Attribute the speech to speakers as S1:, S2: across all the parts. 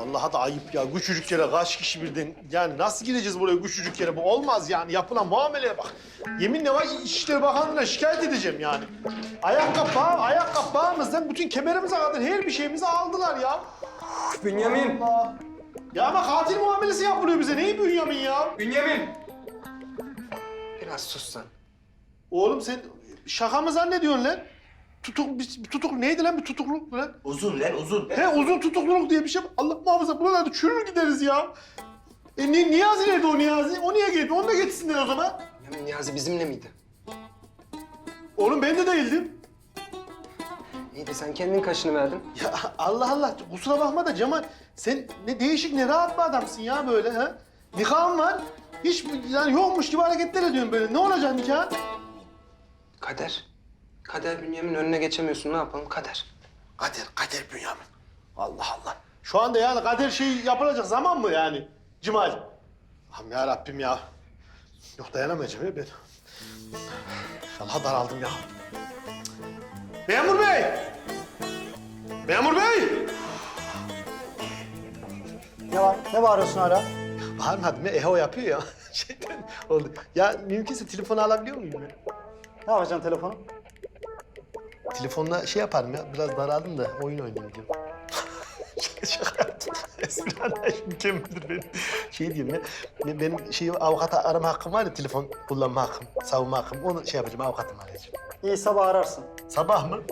S1: Vallahi da ayıp ya. Küçücük yere kaç kişi birden... Yani nasıl gireceğiz buraya küçücük yere? Bu olmaz yani. Yapılan muameleye bak. Yeminle var İçişleri Bakanlığı'na şikayet edeceğim yani. Ayakkabı bağımızdan bütün kemerimize kadar her bir şeyimizi aldılar ya.
S2: Bünyamin!
S1: Allah. Ya ama katil muamelesi yapılıyor bize. Neyi Bünyamin ya?
S2: Bünyamin! Biraz sus lan.
S1: Oğlum sen şaka mı zannediyorsun lan? Tutuk neydi lan bir tutukluluk lan?
S3: Uzun lan uzun.
S1: He uzun tutukluluk diye bir şey. Allah muhafaza buralarda çürür gideriz ya. Niyazi nerede o Niyazi? O niye geldi? Onu da getirsinler o zaman.
S2: Bünyamin Niyazi bizimle miydi?
S1: Oğlum ben de değildim.
S2: İyi de sen kendin kaşını verdin.
S1: Ya Allah Allah kusura bakma da Cemal sen ne değişik ne rahat bir adamsın ya böyle ha. Nikahın var. Hiç yani yokmuş gibi hareketler ediyorsun böyle. Ne olacak nikah?
S2: Kader. Kader Bünyamin önüne geçemiyorsun. Ne yapalım? Kader.
S1: Kader Bünyamin. Allah Allah. Şu anda yani kader şey yapılacak zaman mı yani Cemal? Allah'ım ya Rabbim ya. Yok dayanamayacağım ya ben. İnşallah daraldım ya. Memur Bey! Memur Bey!
S4: Ne var? Ne bağırıyorsun hala?
S1: Bağırmadım ya, eho yapıyor ya. Şeyden oldu. Ya mümkünse telefonu alabiliyor muyum ya?
S4: Ne yapacaksın telefonu?
S1: Telefonla şey yaparım ya, biraz daraldım da oyun oynayayım diyorum. Şaka yaptım. Esra'da mükemmeldir benim. Şey diyeyim ya, benim avukata arama hakkım var ya, telefon kullanma hakkım, savunma hakkım. Onu şey yapacağım, avukatım arayacağım.
S4: İyi sabah ararsın.
S1: Sabah mı?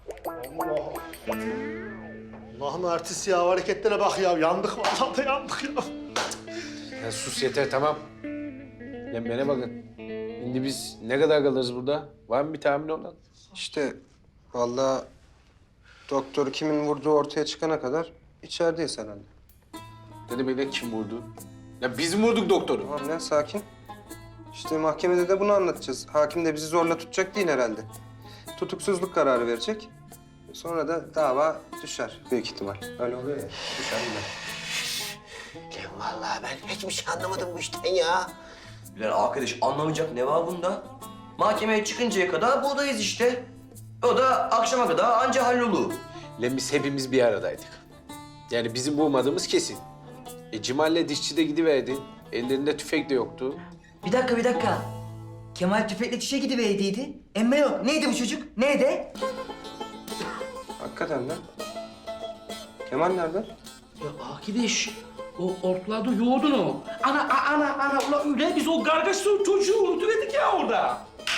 S1: Allah'ım artist ya, hareketlere bak ya. Yandık vallahi da yandık ya.
S5: Ya sus yeter tamam. Ya bana bakın. Şimdi biz ne kadar kalırız burada? Var mı bir tahmin olan?
S2: İşte vallahi doktor kimin vurduğu ortaya çıkana kadar içerideyiz herhalde.
S5: Ne demek lan kim vurdu? Ya biz mi vurduk doktoru?
S2: Tamam lan sakin. İşte mahkemede de bunu anlatacağız. Hakim de bizi zorla tutacak değil herhalde. Tutuksuzluk kararı verecek. Sonra da dava düşer büyük ihtimal. Öyle oluyor ya. Düşer gider.
S3: Lan vallahi ben hiçbir şey anlamadım bu işten ya. Lan arkadaş anlamayacak ne var bunda? Mahkemeye çıkıncaya kadar buradayız işte. O da akşama kadar anca hallolu.
S5: Lan biz hepimiz bir aradaydık. Yani bizim bulmadığımız kesin. Cemal'le dişçi de gidiverdi. Ellerinde tüfek de yoktu.
S6: Bir dakika. Kemal tüfekle çişe gidiverdiydi. Emme yok. Neydi bu çocuk? Nerede?
S2: Hakikaten lan. Kemal nerede?
S7: Ya arkadaş, o ortalarda yoğurdun o. Ana, ulan öyle biz o kargaşlı çocuğu unutuverdik ya orada.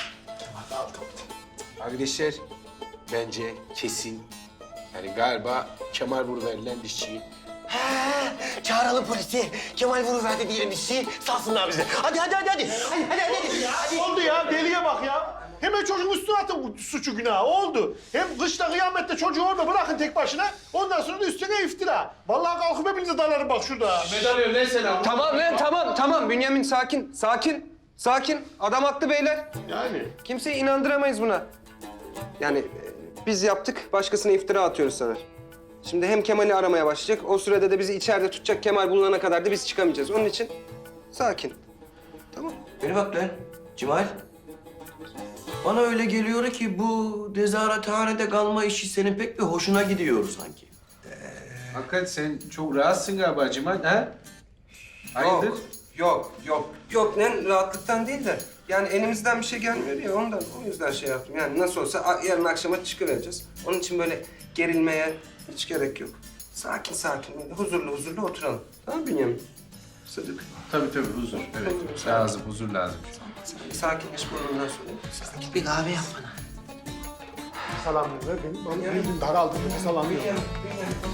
S5: Arkadaşlar bence kesin. Yani galiba Kemal vuruverilen dişçi.
S3: Çağıralım polisi. Kemal vuruverdi diyelim işi. Salsınlar bizi. Hadi. Hadi.
S1: Ya oldu ya, deliye bak ya. Hemen çocuğun üstüne atın suçu günahı, oldu. Hem kışta kıyamette çocuğu orada bırakın tek başına. Ondan sonra da üstüne iftira. Vallahi kalkıp hepinize dalarım bak şurada.
S2: Tamam lan tamam. Bünyamin sakin. Adam haklı beyler.
S1: Yani.
S2: Kimseyi inandıramayız buna. Yani biz yaptık, başkasına iftira atıyoruz sana. Şimdi hem Kemal'i aramaya başlayacak, o sürede de bizi içeride tutacak. Kemal bulunana kadar da biz çıkamayacağız. Onun için sakin. Tamam.
S3: Beni bak lan Cemal. Bana öyle geliyor ki bu nezarethanede kalma işi senin pek bir hoşuna gidiyor sanki.
S5: Hakikat sen çok rahatsın galiba Cemal, ha? Hayırdır?
S2: Yok lan rahatlıktan değil de. Yani elimizden bir şey gelmiyor ya ondan. O yüzden şey yaptım. Yani nasıl olsa yarın akşama çıkıvereceğiz. Onun için böyle gerilmeye hiç gerek yok. Sakin böyle huzurlu oturalım. Tamam Bünyamin? Sıdık.
S5: Tabii huzur. Evet. Lazım, huzur lazım.
S2: Sakinleş burnundan sonra. Sakin.
S3: Bir kahve yap bana.
S1: Salam ver, ben daraldım, salam ver.
S2: Bünyamin.